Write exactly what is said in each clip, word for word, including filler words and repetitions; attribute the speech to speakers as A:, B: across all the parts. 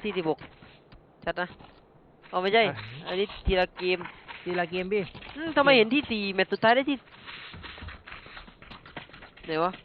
A: ที่สิบหกชัดนะเอาไม่ใช่อันนี้ทีละเกม
B: ทีละเกมพี่
A: ทำไมเห็นที่สี่แมตช์สุดท้ายได้ที่ไหนวะ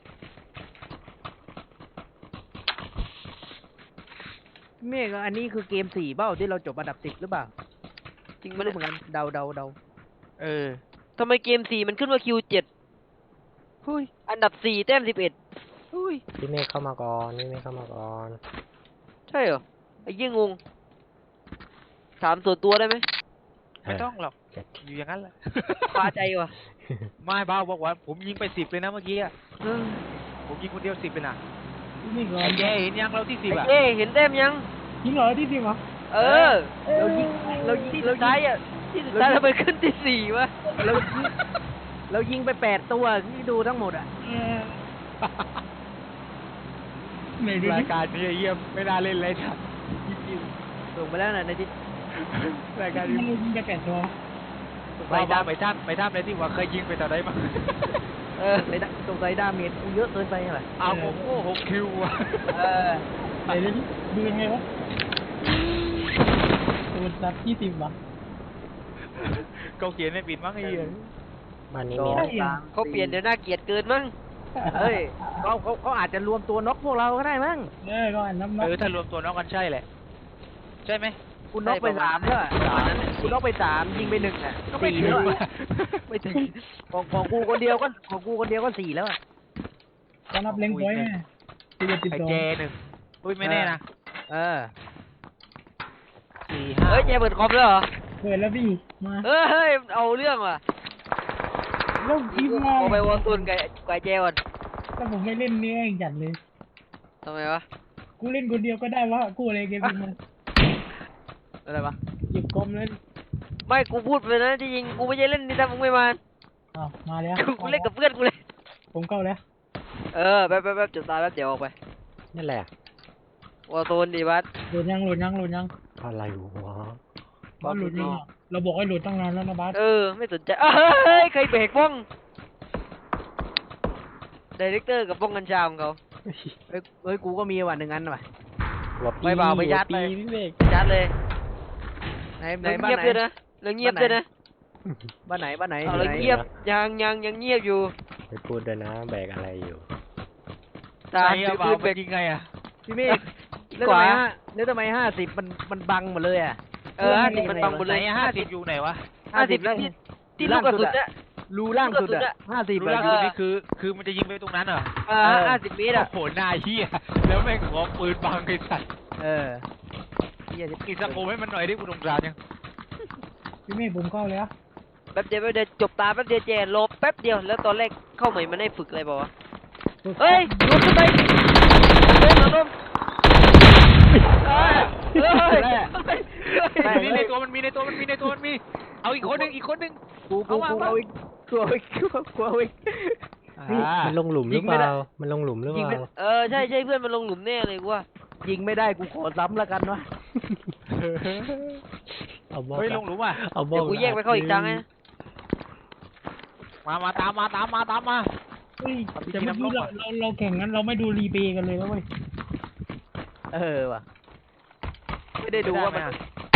B: เมฆอันนี้คือเกมสี่เบ้าที่เราจบอันดับสิบหรือเปล่า
A: จริง
B: ไม่รู้เหมือนกันเดาเดาเดา
A: เออทำไมเกมสี่มันขึ้นว่าคิวเจ็ดหุ้ยอันดับสี่แต้มสิบเอ็ดหุ้ย
C: พี่เมฆเข้ามาก่อนพี่เมฆเข้ามาก่อน
A: ใช่เหรอไอ้ยี่งงถามส่วนตัวได้ไหม
D: ไม่ต้องหรอกอยู่อย่างนั้นแหละ
A: พาใจวะ
D: ไม่บ้าบอกว่าผมยิงไปสิบเลยนะเมื่อกี้ผมยิงคนเดียวสิบเลยนะ
E: นี่ก่อ
D: ไอ้
E: น
D: แกเห็นยังเราที่สิบอ่ะ
A: เอ้เห็นแต้มยัง
E: ยิงเหรอที่สิบเหรอ
A: เออเรายิงเรายิงที่สุดท้ายอ่ะที่สุดท้ายเราไปขึ้นที่สี่วะ
B: เรายิงเรายิงไปแปดตัวที่ดูทั้งหมดอ่ะ
E: ไหนดู
D: รา
E: ดิ
D: ยการนี้เยี่ยมไม่น่าเล่นเลยจ้ะ
B: ส่งไปแล้วนะในที่
D: รายการ
E: ยิ
D: นี้
E: งยิงแค่แปดตัว
D: ไปตามไปท่ามไปท่ามเลยที่ว่าเคยยิงไปต่อได้มั้ง
B: เออในตรงไซดาเมจเยอะเกินไปเหรอ
D: เอาผมโอ้หกคิวอ่ะ
B: เออ
E: ไหนดูดิดูยังไงวะตัวนับที่สิบวะ
D: เขาเขียนไม่ปิดมั้งไอ้เหี้ย
C: บ้านนี้
B: สอ
C: มี
B: ง
C: นะ
B: สาม
A: เขาเปลี่ยนเดี๋ยวน่าเกลียดเกินมั้ง
B: เฮ้ยเขาเขาเขาอาจจะรวมตัวน็อกพวกเราก็ได้มั้ง
E: เออก็อันนับนั
D: เอบ อถ้ารวมตัวน้องกันใช่แหละใช่ไหม
B: คุณน็อกไปสามแล้วอะคุณน็อกไปสามยิงไปหนึ่งอ่ะ
D: ก็ไม่
B: สี่
D: ถึง
B: แล้ว
D: อะ
B: อะไม่ถึงของของกูคนเดียวก็ของกูคนเดียวก็สี่แล้วอ่ะ
E: ก็นับเล็งพอยต์ไงสิบเอ็ดสิบ
D: ไอ้
E: สอง
D: แกหนึ่งอุ้ยไม่แน่นะ
B: เออ
D: สี่ห้า
A: เฮ้ยแกเปิดคอมแล้วเหรอ
E: เปิดแล้วพี่มา
A: เฮ้ยเฮ้ยเอาเรื่องว่ะ
E: แล้วทีมงาน
A: เอาไปวอลซูนไก่ไก่แจก่อน
E: ถ้าผมไม่เล่นนี่เองจัดเลย
A: ทำไมวะ
E: กูเล่นคนเดียวก็ได้วะกูอะไรเกมนี้มัน
B: อะไรวะ
E: หยิบกลมเลย
A: ไม่กูพูดไปนะที่จริงกูไม่ใช่เล่นนี่ถ้ามึงไม่มา
E: อ้าวมาแล้ว
A: กูเล่นกับเพื่อนกูเลย
E: ผมเข้าแล้ว
A: เออแป๊บแป๊บแป๊บจุดตายแป๊บเดี๋ยวออกไป
C: นั่นแหละ
A: วอลซูนดีบัส
E: โหลดยังโหลดยังโหลดยัง
C: อะไรวะ
E: บ้านโหลดยังอะเราบอกให้โหลดตั้งนานแล้วนะบัส
A: เออไม่สนใจเฮ้ยใครเบรกบ้องไดเรคเตอร์กับบ้องกัญชาของเขา
B: เฮ้ยเฮ้ยกูก็มีว่ะหนึ่งอันว่ะ
C: หัวปี
A: ไม่เบาไม่ยัด
C: หัว
A: เลย
C: ปีพี่เมฆ
A: จัดเลย
B: ไหนไหน
A: แล้ว
B: บ้าน
A: เงียบ
B: ไหน
A: ด้วยนะแล้วเงียบด้วยนะ
B: บ้านไหนบ้านไหน
A: เอา
B: อยู่
A: แล้ว
B: ไหน
A: เงียบยังยังยังเงียบอยู่
C: ไปพูดด้วยนะแบกอะไรอยู่
A: ตา
D: ใช่
A: ถื
D: อะ
A: อ
D: เปล่า
A: ปืน
D: ไป
A: เบรก
D: ยิงไงอ่ะ
B: พี่เมฆแล้ว
A: ก
B: ทำ
A: ว่า
B: ไมฮะแล้วทำไมห้าสิบมันมันบังหมดเลยอ่ะ
A: เออห้าสิบมันบังหมด
D: ไหน
A: เลย
D: ห้าสิบอยู่ไหนวะ
A: ห้าสิบ
B: แล้ว
A: ที่ที่ลูกกระสุนเนี่ย
B: รูล่างสุด
A: ลูกกระสุน
B: อ่ะ
A: อะ
B: ห้าสิบ
D: รู้
B: แบ
D: แล้ว
B: บ
D: อยู่นี่คือ คือมันจะยิงไปตรงนั้นเหรอ
A: เออห้าสิบเมตร
D: โอ้
A: อะ
D: โหหน้าเหี้ยแล้วแม่งขอปืนบังไอ้สัตว์
B: เออเหี้ย
D: กินสโคปให้มันหน่อยดิกูสงสารยัง
E: พี่เมฆผมเข้าแล้ว
A: แป๊บเดียวแป๊บเดียวจบตาแป๊บเดียวเจนลบแป๊บเดียวแล้วตอนแรกเข้าใหม่มันได้ฝึกอะไรบอกวะเฮ้ยลุกขึ้นไปเฮ้ยมาลงเฮ้ยเฮ้ยเฮ้ย
D: มีในตัวมันมีในตัวมันมีในตัวมันมี เอาอีกคนหนึ่งอีกคนหนึ่ง
B: กูกูกูเอาอีกกูเอาอีกกูเอาอีก
D: อ่า
C: มันลงหลุมหรือเปล่ามันลงหลุมหรือเป
B: ยิงไม่
C: ล่า
A: เออใช่ใช่เพื่อนมันลงหลุมแน่เลยกูว่า
B: ยิงไม่ได้กูขอซ้ำแล้วกันวะ
C: เอาบอก
D: เฮ้ยลงหลุมอ่ะ
C: เอาบอ
A: เดี๋ย
C: ก
A: วกูแยกไปเข้าอีกทางไง
D: มามาตามมาตามมาตามมา
E: เฮ้ยแต่เมื่อกี้เราเราเราแข่งงั้นเราไม่ดูรีเพย์กันเลยนะเว้ย
B: เออว่ะไม่ได้ดูว่ามัน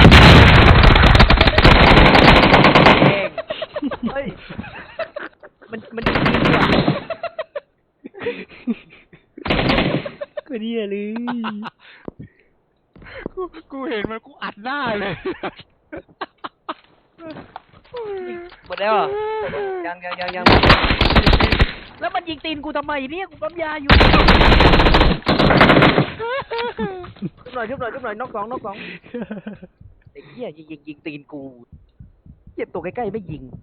B: เองเฮ้ยมันมันยิงดีว่ะ
C: ก็ดีเลย
D: กูกูเห็นมันกูอัดหน้าเลย
A: หมดแล้วเหรอ
B: ยังยังยังยังแล้วมันยิงตีนกูทำไมเนี่ยกูปั๊มยาอยู่ชุบหน่อยชุบหน่อยชุบหน่อยนกสองนกสองไอ้เหี้ยยิงยิงยิงตีนกูเจ็บตัวใกล้ๆไม่ยิง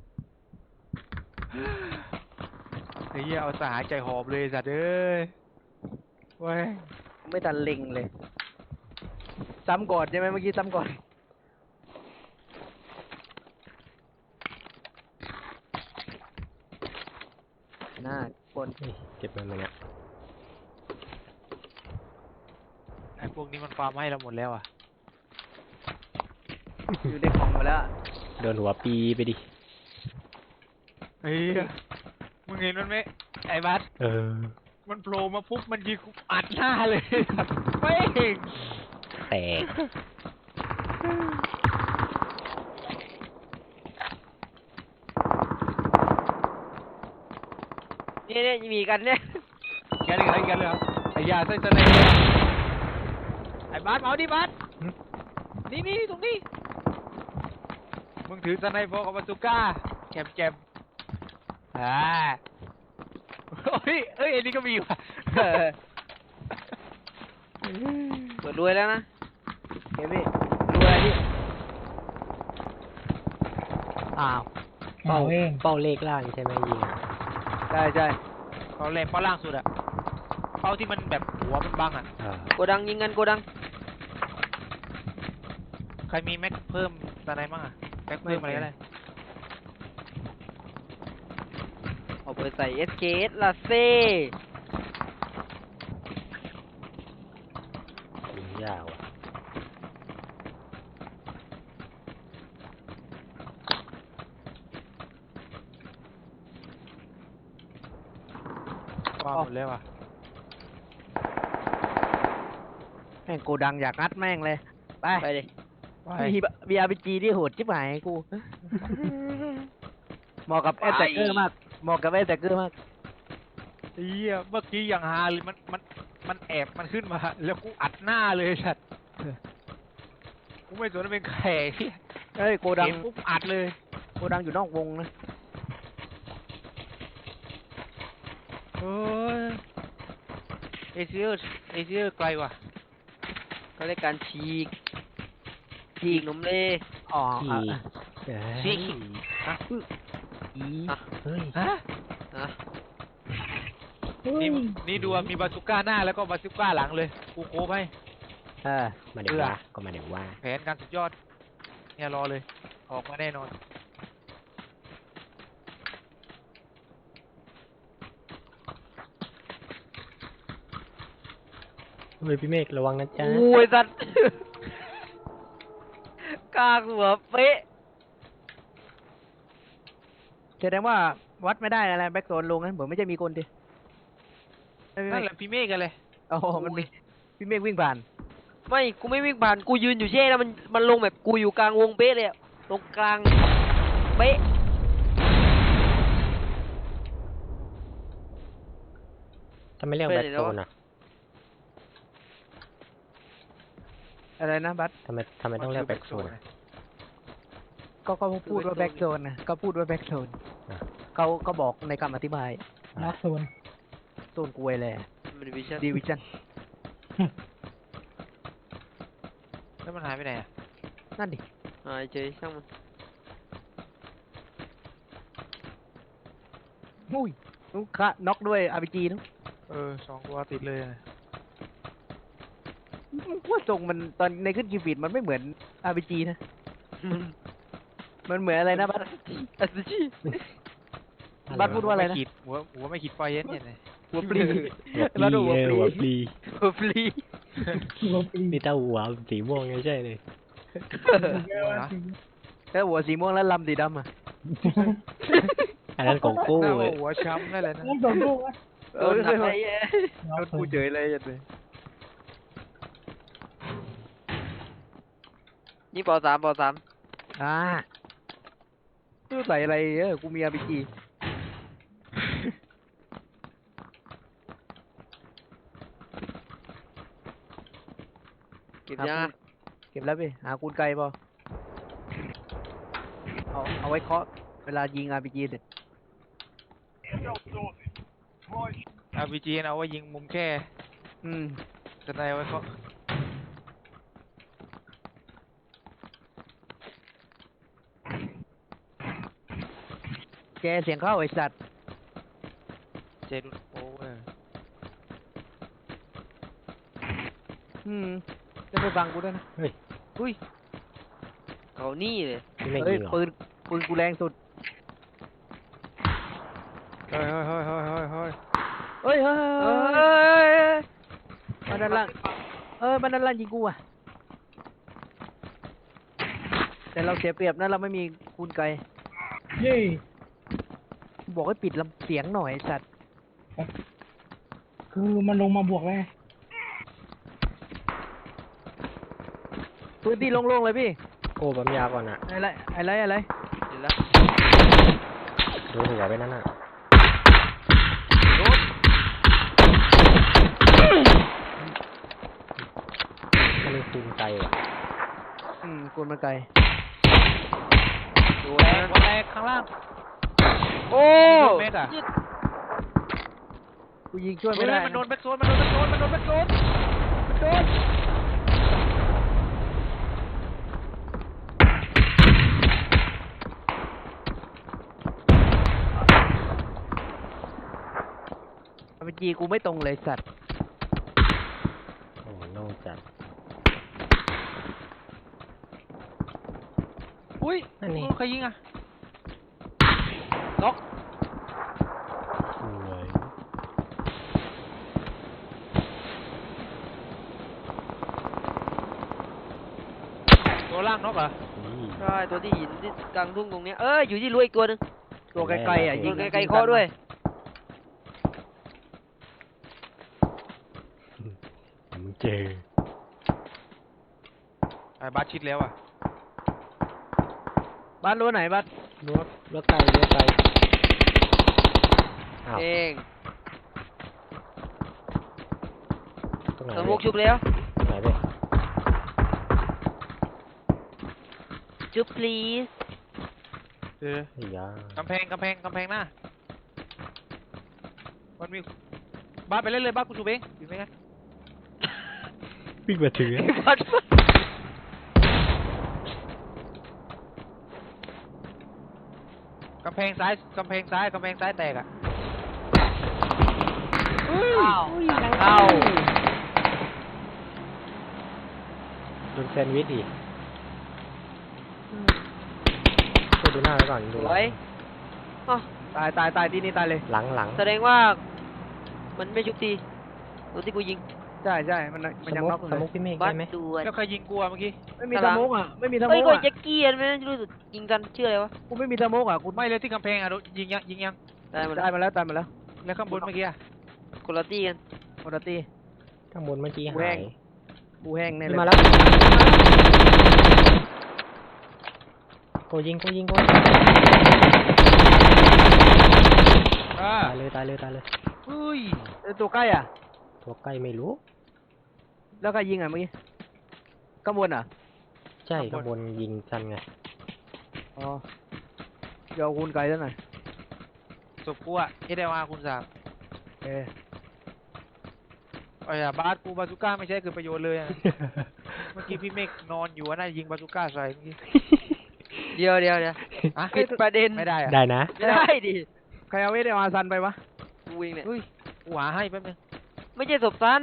D: ไอ้เหี้ยเอาสาหายใจหอบเลยสัตว์เอ้ยเว้ย
B: ไม่ทันเล็งเลยซ้ำก่อนใช่ไหมเมื่อกี้ซ้ำก่อนหน้าคน
C: นี่เก็บมันมาเนี่ย
D: ไอ้พวกนี้มันความให้เราหมดแล้วอ่ะ
B: อยู่ในกล่องหมดแล้ว
C: โดนหัวปีไปดิ
D: เฮ้ยมึงเห็นมันไหมไอ้บัส
C: เออ
D: มันโผล่มาปุ๊บมันยิงกูอัดหน้าเลย ไม่เห็น
C: แตก
A: นี่เนี่ยมีกันเนี่ย
D: แกนี่อะไรกันเลยเหรอไอ้ยาใส่สไนเปอร์ไอ้บาสมาเอาดิบาสนี่นี่ตรงนี้มึงถือสไนเปอร์กับบาซูก้าแจมแจมอ่าเฮ้ยเอ้ยอันนี้ก็มีว่ะ
A: เปิดรวยแล้วนะ
B: เฮ้ยพี่ดูอะไรพี่อ้าว
C: เป้า
E: เอาเอง
C: เป้าเลขล่างใช่ไหมยิงอะ
B: ใช่ใช่
D: เขาแรงเป้าล่างสุดอะเป้าที่มันแบบหัวมันบังอะ
C: อ่า
A: โกดังยิงกันโกดัง
D: ใครมีแม็กเพิ่มสไนบ้างอะแม็กเพิ่มอะไรก็ได้
A: เอาไปใส่ เอส เค เอส ละเซ่
C: ยิงยาวอ่ะ
D: ว่าหมดแล้วอะ
B: แม่งโกดังอยากงัดแม่งเลยไป
A: ไปดิ
B: มีมีอาร์พีจีที่โหดจิ๊บหายกูเหมาะกับแอตแทกเกอร์มากเหมาะกับแอตแทกเกอร์มาก
D: เฮียเมื่อกี้อย่างฮาเลยมันมันมันแอบมันขึ้นมาแล้วกูอัดหน้าเลยชัดกูไม่สนว่าเป็นแขกเหี้ย
B: เอ้ยโกดัง
D: เห็นปุ๊บอัดเลย
B: โกดังอยู่นอกวงนะ
D: เฮ้ยเอเชียเอเชียไกลว่ะ
A: ก็ได้การฉีกฉีกหนมเล
B: อ๋อ
C: ขี่
B: อ่ะ
C: เอ้ย
D: ชิก
B: อี
A: อ่ะ
C: เฮ้ย
D: ฮะ
A: อ่ะ
D: นี่นี่ดูอะมีบาซูก้าหน้าแล้วก็บาซูก้าหลังเลยกูโคบให้
B: เออ
C: มาเดี๋ยวว่าก็มาเดี๋ยวว่า
D: แผนการสุดยอดเนี่ยรอเลย ออกมาแน่นอน
C: เฮ้ยพี่เมฆระวังนะจ๊ะ
A: โอ้ยสัตว์ กลางหัวเป๊ะ
B: แสดงว่าวัดไม่ได้อะไรแบ็กโซนลงนั้นเหมือนไม่ใช่มีคนดิไม่ไม่
D: นั่
B: ไม่
D: นแหละพี่เมฆกันเลย
B: โอ้โหมันมีพี่เมฆวิ่งผ่าน
A: ไม่กูไม่วิ่งผ่านกูยืนอยู่เช่แล้วมันมันลงแบบกูอยู่กลางวงเป๊ะเลยอะตรงกลางเป๊ะ
C: ทำไมเรียกแบ็คโซนอ่ะ
B: อะไรนะบัส
C: ทำไมทำไมต้องเรียกแบ็คโซนอะ
B: ก็ก็พูดว่าแบ็กโซนนะก็พูดว่าแบ็กโซน
C: อ่ะ
B: เขาเขาบอกในคำอธิบาย
E: ล็อกโซน
B: โซนกวยเลย
A: มันดิวิชั่น
B: ดิวิชั่น
D: แล้วมันหายไปไหนอะ
B: นั่นดิ
A: หายเฉยช่างมัน
B: อุ้ยนุ๊กคะน็อกด้วยอาร์พีจีนุ๊ก
D: เออสองตัวติดเลยอะ
B: ว่าทรงมันตอนในขึ้นกีฟีดมันไม่เหมือนอาร์พีจีนะ มันเหมือนอะไรนะบัส
A: อัศจี
B: บัสพูดว่าอะไรนะ
D: ม่ขีดหัวหัวไม่ขีดไฟเย็นเย็นเลย
B: หัวปลี
C: หัว
B: บัส
C: ปลี
B: หัว
C: เออ
B: ปลี
C: หัวปลี
A: หัวฟรี
E: ลบอีก
C: นี่ถ้าหัวสีม่วงไม่ใช่เลย
B: แล้วหัวสีม่วงแล้วลำสีดำอ่ะ
C: อันนั้นของกู้
D: หน้า
C: เว้ย
D: หัวช้ำนั่นแหละนะ
E: ไม่โดนลูกอ่ะ
A: โดนหนักเลย
E: ล็อก
B: โดน
E: โซ
B: กู
E: น
B: เฉยเลยยันเลย
A: นี่ปอสามปอสาม
B: อ่าไม่รู้ใส่อะไรเออกูมีอาร์พีจี
A: เก็บยังอะ
B: เก็บแล้วพี่หาคูณไกลป่ะเอาเอาไว้เคาะเวลายิงอาร์พีจีเสร็จ
D: อาร์พีจีเอาไว้ยิงมุมแค่
B: อืม
D: จะได้เอาไว้เขา
B: แกเสียงเข้าไอ้สัตว์
D: เจดุนโอ้เออ
B: อืมจะไปฟังกูด้วยนะ
C: เฮ้ย
B: อุ้ย
A: เขานี่เลย
C: พี่เมฆ
B: เฮ้
C: ยิ
B: ย
C: งเหรอ
B: ปืนปืนกูแรงสุด
D: เฮ้ยเฮ้ยเฮ้ยเฮ้ยเฮ้ยเฮ้ย
B: เฮ้ยเฮ้ย
A: เอ
B: เฮ้ยเฮ้ย้
A: ย
B: มันด้านล่างเออมันด้านล่างยิงกูอ่ะแต่เราเสียเปรียบนะเราไม่มีคูณไกล
E: เย้
B: กูบอกให้ปิดลำเสียงหน่อยไอ้สัตว์
E: คือมันลงมาบวกแล้วไง
B: พื้นที่โล่งๆเลยพี่
C: โอ้ปั๊มยาก่อนอ่ะ
B: อะไรอะไรอะไร
A: เห็นแล้ว
C: ดูหัวไปนั่นอ่ะ
D: โดน
C: มันมีคูณไกลว่ะ
B: อืมกูมันไกล
A: ดู
D: แต
A: นะ
D: กวันแตกข้างล่าง
A: โอ้
D: เมกอะ
A: ยึด
B: กูยิงช่วย
D: เฮ้
B: ไม่
D: ย
B: ได้
D: มันโดนแบ็กโซนมันโดนแบ็กโซนมันโดนแบ็กโซนมันโดน
B: อาร์พีจีกูไม่ตรงเลยสัตว์
C: โอ้โล่งจัด
D: อุ้ย
C: นั่นนี่
D: ใครยิงอะน็อก
C: สวย
D: ตัวล่างน็อกเหรอ
C: นี่
A: ใช่ตัวที่หินที่กลางทุ่งตรงเนี้ยเอ้ยอยู่ที่รั้วอีกตัวหนึง
B: ตัวไกลๆอ่ะ
A: อ
B: ยิ
A: ยู่
B: ง
A: ไกลๆคอด้วย
C: มึงเจอ
D: ไอ้บาสชิดแล้วอะ
B: บ้านรั้วไหนบ้าน
C: รั้วรั้วไกลรั้วไกลอ้าว
A: เอง
C: ตรงไหน
A: สม
C: เว้
A: มุ
C: ย
A: กชุบแล้ว
C: ตรงไหนเว้ย
A: ชุบ please
D: เออ
C: ไอ้ยาก
D: ำแพงกำแพงกำแพงหน้ามันมีบาสไปเล่นเลยบาสกูชูเองอยู่ไหมกัน
C: วิ่งมาถือ
A: บัด
D: กำแพงซ้ายกำแพงซ้ายกำแพงซ้ายแตกอะ
A: อ้าวเข้า
C: โดนแซนด์วิชอีกช่วยดูหน้าไว้ก่อนดู
A: ส
C: ห
A: ว
C: ลั
A: ย
C: ง
A: อ๋อ
B: ตายตายตายที่นี่ตายเลย
C: หลังหลัง
A: แสดงว่ามันไม่ชุบทีตัวที่กูยิง
B: ใช่ใช่มัน
C: ส
B: มันยัง
C: มุ
B: น็อก
C: ก
B: อยู่
C: ส
B: เล
C: มุก
B: ย
C: พี่เมฆ
A: บั
C: ได้
A: ด
C: ไหม
A: ด่วน
D: แล้วใครยิงกูอะเมื่อกี้
B: ไม่มีสโมกอ่ะไม่มีสโม
A: เอ้ย
B: ก
A: ก็
B: อ่ะ
A: แจ็คกี้อันไม่รู้สึกยิงกันชื่ออะไรวะ
B: กูไม่มีสโมกอ่ะกู
D: ไม่เลยที่กำแพงอะโดนยิงยังยิงยัง
A: ได้หมด
B: ตายมาแล้วตายมาแล้ว
D: แล้วข้างบนเมื่อกี้อะ
A: คนละตี้กัน
B: โอตตี
C: ข้างบนเมื่อกี้
B: แหว่
C: หาง ย
B: กูแห้งแน่เล
C: นี่
B: ย
C: มาแล้วโกยิงโกยิงโก
D: อ่า
C: ตายเลยตายเลยตายเลย
D: เฮ้ย
B: เอ้ยตัวใกล้อ่ะ
C: ตัวใกล้ไม่รู้
B: แล้วใครยิงอ่ะเมื่อกี้ข้างบนอ่ะ
C: ใช่ข้างบนยิงกันไง
B: อ๋อเดี๋ยวเอาคูณไกลซะหน่อย
D: ศพกูอะเอเดวาคุณสาม
B: เออ
D: ไอ้อะบาสกูบาซูก้าไม่ใช่เกิดประโยชน์เลยอะ เมื่อกี้พี่เมฆนอนอยู่อะน่าจะยิงบาซูก้าใส่เมื่อกี้
A: เดียวเดียวเดียว
D: อะ
A: ปิดประเด็น
D: ไม่ได้อะ
C: ได้นะ
A: ไม่ได้ดิ
B: ใครเอาเอเดวาซันไปวะ
A: กูเองเนี่ย
D: เฮ้ยกูหาให้แป๊บนึง
A: ไม่ใช่ศพซัน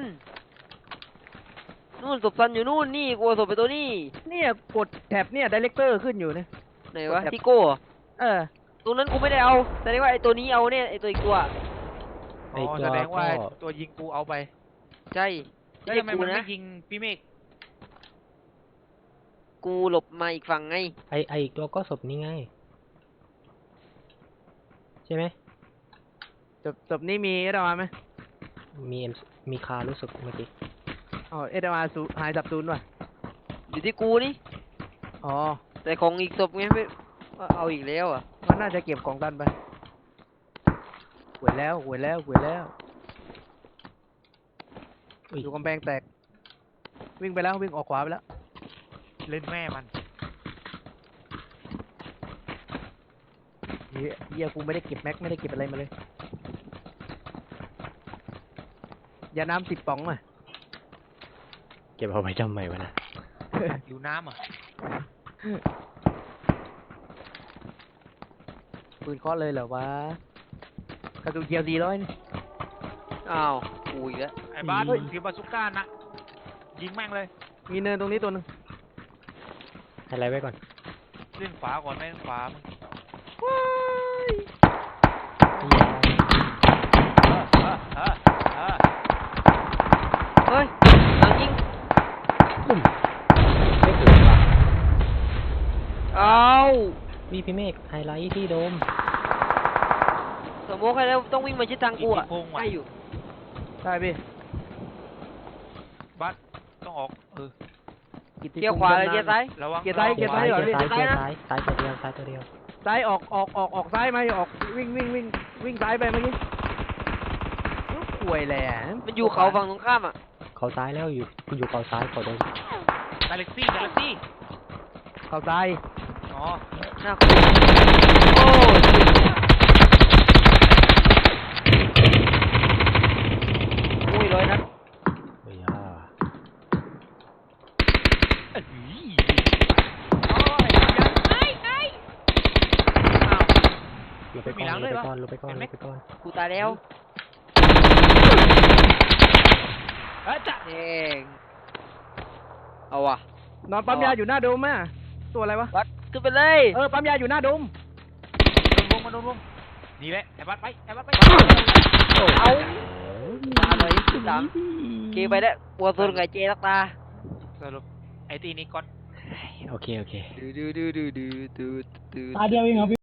A: นู่นศพซันอยู่นู่นนี่กูเอาศพไปตัวนี้
B: เนี่ยกดแท็บเนี่ยไดเรคเตอร์ขึ้นอยู่เนี่ย
A: ไหนวะที่โก้เหรอ
B: เออ
A: ตรงนั้นกูไม่ได้เอาแสดงว่าไอ้ตัวนี้เอาเนี่ยไอ้ตัวอีกตัว
D: อ๋อแสดงว่าตัวยิงกูเอาไป
A: ใช่
D: แล้ว
A: ไม่
D: ทำไม
A: ใช่กู
D: มัน
A: นะ
D: ไม่ยิงพี่เมฆ
A: กูหลบมาอีกฝั่งไง
C: ไอไออีกตัวก็ศพนี้ไง ใช่ไหม
B: จบจบนี่มีเอเดวาไหม
C: มีเอ็มมีคารู้สึกเมื่อกี้
B: อ๋อเอเดวาสูหายสับซูนย์ว่ะ
A: อยู่ที่กูนี่
B: อ๋อ
A: แต่ของอีกศพไงไม่เอาอีกแล้วอ่ะ
B: มันน่าจะเก็บของตันไปหวยแล้วหวยแล้วหวยแล้ว
C: อุ้ย
B: อยู่กำแพงแตก วิ่งไปแล้ววิ่งออกขวาไปแล้ว
D: เล่นแม่มัน
B: เฮียเฮียกูไม่ได้เก็บแม็กไม่ได้เก็บอะไรมาเลยยาน้ำสิบป๋องอ่ะ
C: เก็บเอาไว้ทำไมวะนะ
D: อยู่น้ำอ่ะ
B: ปืนเคาะเลยเหรอวะกระสุนเกียวสี่ร้อยนี่
A: อ้าวกูอีกแล้ว
D: ไอ้บาสถือบาซูก้านะยิงแม่งเลย
B: มีเนินตรงนี้ตัวหนึง
C: ให้อะไรไว้ก่อน
D: เล่นฝาก่อนไม่เล่นฝามึง
A: เฮ้ยหลังยิง
C: ไม่ถึงว่ะ
A: เอา
C: วีพี่เมฆไฮไลท์ที่โดม
A: สมมติใครแล้วต้องวิ่งมาชิดทางกูอ่ะ
D: อีกกี่โมงวะ
A: ให้อยู่
B: ใช่พี่
D: บาสต้องออกเออ
B: กิตติ
A: เกียร์ขวาเลยเกียร์ซ้าย
D: ระวัง
B: เกียร์ซ้ายเกียร์ซ้าย
C: เกีย
B: เหรอ
C: ร์
B: พี่
C: ซ้ายเกียร์ซ้ายซ้ายตัวเดียวซ้ายตัวเดียว
B: ซ้ายออกออกออกออกซ้ายไหมออกวิ่งวิ่งวิ่งวิ่งซ้ายไปเมื่อกี้ลูกป่วยแหละ
A: มันอยู่เขาฝั่งตรงข้ามอ่ะ
C: เขาซ้ายแล้วอยู่คุณอยู่เขาซ้ายเขาโดน
D: กาแล็กซี่กาแล็กซี่
B: เขาซ้าย
D: อ๋อ
A: หน้าคุโอ้อุ้ยร้อยนัด
C: เฮ้ยอ่า
D: เอ้ย
C: ลงไปก่อนลงไปก่อนลงไปก่อนลงไปก่อน
A: กูตายแล้ว
D: เอ้ยจ้ะ
A: เองเอาว่ะ
B: นอนปั๊มยาอยู่หน้าโดมอ่ะตัวอะไรวะ
A: วัดขึ้นไปเลย
B: เออปั๊มยาอยู่หน้าโดม
D: โดนวงมาโดนวงนี่แหละไอ้บัสไปไอ้บัสไป
A: เอาตาเลยขึ้นหลังเกไปแล้วปวดตัวไงเจลักตา
D: สรุปไอ้ตีนี้ก่อน
C: โอเคโอเค
A: ดูดูดูดูดูดูดู
E: ตาเดียวเองเหรอพี่